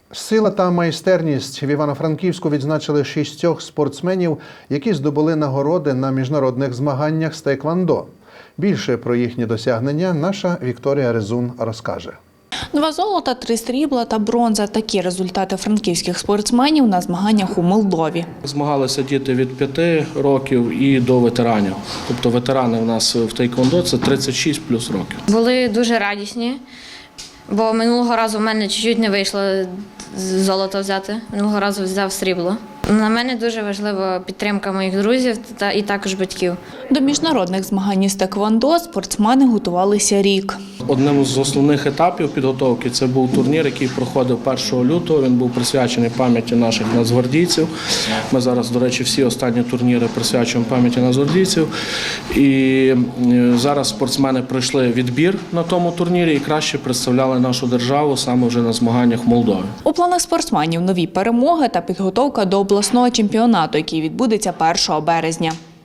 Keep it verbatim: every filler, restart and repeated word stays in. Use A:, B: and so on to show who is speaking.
A: Сила та майстерність в Івано-Франківську відзначили шістьох спортсменів, які здобули нагороди на міжнародних змаганнях з тейквондо. Більше про їхні досягнення наша Вікторія Резун розкаже.
B: Два золота, три срібла та бронза – такі результати франківських спортсменів на змаганнях у Молдові.
C: Змагалися діти від п'яти років і до ветеранів. Тобто ветерани у нас в тейквондо – це тридцять шість плюс років.
D: Були дуже радісні, бо минулого разу в мене чуть-чуть не вийшло золото взяти, минулого разу взяв срібло. На мене дуже важлива підтримка моїх друзів та і також батьків.
B: До міжнародних змагань із тейквондо спортсмени готувалися рік.
C: Одним з основних етапів підготовки це був турнір, який проходив першого лютого. Він був присвячений пам'яті наших нацгвардійців. Ми зараз, до речі, всі останні турніри присвячуємо пам'яті нацгвардійців. І зараз спортсмени пройшли відбір на тому турнірі і краще представляли нашу державу саме вже на змаганнях в Молдові.
B: У планах спортсменів нові перемоги та підготовка до обласного чемпіонату, який відбудеться першого березня.